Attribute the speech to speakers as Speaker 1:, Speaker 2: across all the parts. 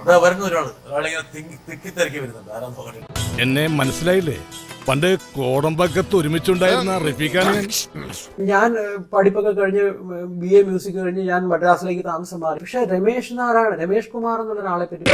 Speaker 1: വരുന്ന ഒരാളിങ്ങനെ തിക്കിത്തിരക്കി വരുന്നുണ്ട്. ആരാന്ന് നോക്കട്ടെ.
Speaker 2: എന്നെ മനസ്സിലായില്ലേ? പണ്ട് കോടമ്പക്കത്ത് ഒരുമിച്ചുണ്ടായിരുന്ന റഫീഖാണ്
Speaker 3: ഞാൻ പഠിപ്പൊക്കെ കഴിഞ്ഞ് BA മ്യൂസിക് കഴിഞ്ഞ് ഞാൻ മദ്രാസിലേക്ക് താമസം മാറി. പക്ഷെ രമേഷ് കുമാർ എന്നുള്ള ഒരാളെ പറ്റി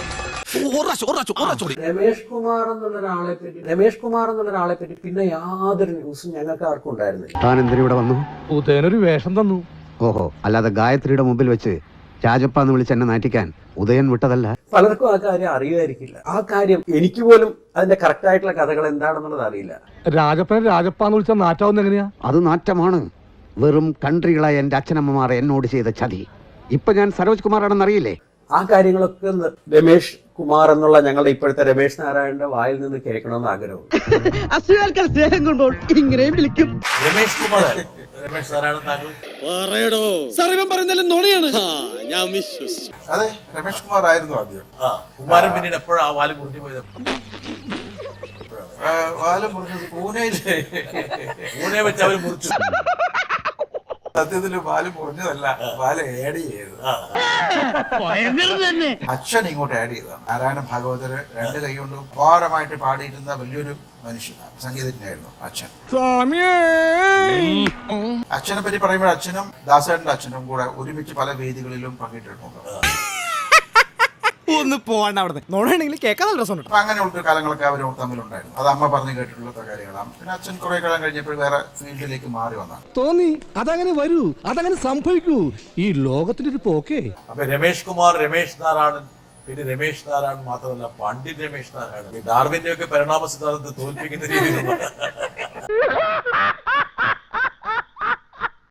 Speaker 3: പിന്നെ യാതൊരു ന്യൂസും ഞങ്ങൾക്ക് ആർക്കും ഉണ്ടായിരുന്നില്ല.
Speaker 4: താൻ എന്തിനു ഇവിടെ വന്നു?
Speaker 5: ഉദയനൊരു വേഷം തന്നു.
Speaker 4: ഓഹോ, അല്ലാതെ ഗായത്രിയുടെ മുമ്പിൽ വെച്ച് രാജപ്പാന്ന് വിളിച്ച് എന്നെ നാറ്റിക്കാൻ ഉദയൻ വിട്ടതല്ല.
Speaker 3: പലർക്കും ആ കാര്യം അറിയുമായിരിക്കില്ല. ആ കാര്യം എനിക്ക് പോലും അതിന്റെ കറക്റ്റ് ആയിട്ടുള്ള കഥകൾ എന്താണെന്നുള്ളത് അറിയില്ല.
Speaker 5: രാജപ്പാന്ന് വിളിച്ച നാറ്റാവുന്ന എങ്ങനെയാ?
Speaker 4: അത് നാറ്റമാണ്. വെറും കൺട്രികളായ എന്റെ അച്ഛനമ്മമാർ എന്നോട് ചെയ്ത ചതി. ഇപ്പൊ ഞാൻ സരോജ് കുമാറാണെന്ന് അറിയില്ലേ?
Speaker 3: ആ കാര്യങ്ങളൊക്കെ രമേഷ് കുമാർ എന്നുള്ള ഞങ്ങളുടെ ഇപ്പോഴത്തെ രമേഷ് നാരായണന്റെ വായിൽ നിന്ന് കേൾക്കണമെന്ന് ആഗ്രഹമുണ്ട്.
Speaker 6: സ്നേഹം കൊണ്ടോ ഇങ്ങനെയും വിളിക്കും.
Speaker 1: രമേഷ് കുമാർ രമേഷ് നാരായണൻ താങ്കൾ
Speaker 6: ഞാൻ വിശ്വസിച്ചു.
Speaker 7: അതെ, രമേഷ് കുമാർ ആയിരുന്നു ആദ്യം.
Speaker 1: കുമാരൻ പിന്നീട് എപ്പോഴാ ആ വാല് മുറിഞ്ഞു പോയത്?
Speaker 7: വാലം മുറിഞ്ഞത്
Speaker 1: പൂനെ വെച്ച് അവര് മുറിച്ചു.
Speaker 7: സത്യത്തില് വാല് മുറിഞ്ഞതല്ല, വാല് ആഡ് ചെയ്തത്. അച്ഛൻ ഇങ്ങോട്ട് ആഡ് ചെയ്തതാണ്. നാരായണ ഭാഗവതര് 2 കൈ കൊണ്ട് ഭാരമായിട്ട് പാടിയിരുന്ന വലിയൊരു മനുഷ്യനാണ്, സംഗീതജ്ഞനായിരുന്നു അച്ഛൻ. അച്ഛനെ പറ്റി പറയുമ്പോൾ അച്ഛനും ദാസേട്ടന്റെ അച്ഛനും കൂടെ ഒരുമിച്ച് പല വേദികളിലും പങ്കിട്ടിട്ടുണ്ട്.
Speaker 6: ഒന്ന് പോവാണ്ട് അവിടെ നോടാണെങ്കിൽ കേൾക്കാൻ നല്ല രസമുണ്ട്.
Speaker 7: അപ്പൊ അങ്ങനെയുള്ള കാലങ്ങളൊക്കെ അവർ തമ്മിലുണ്ടായിരുന്നു. അത് അമ്മ പറഞ്ഞു കേട്ടിട്ടുള്ള കാര്യങ്ങളാണ്. പിന്നെ അച്ഛൻ കുറെ കാലം കഴിഞ്ഞപ്പോൾ വേറെ ഫീൽഡിലേക്ക് മാറി വന്നാണ്.
Speaker 5: തോന്നി അതങ്ങനെ വരൂ, അതങ്ങനെ സംഭവിക്കൂ. ഈ ലോകത്തിന്റെ ഒരു പോക്കേ.
Speaker 1: അപ്പൊ രമേഷ് കുമാർ, രമേഷ് നാരായണൻ, പിന്നെ രമേഷ് നാരായണൻ മാത്രമല്ല പണ്ഡിറ്റ് രമേഷ് നാരായണൻ, ഡാർവിന്റെ ഒക്കെ പരിണാമ സിദ്ധാന്തത്തെ തോൽപ്പിക്കുന്ന രീതിയിലുള്ള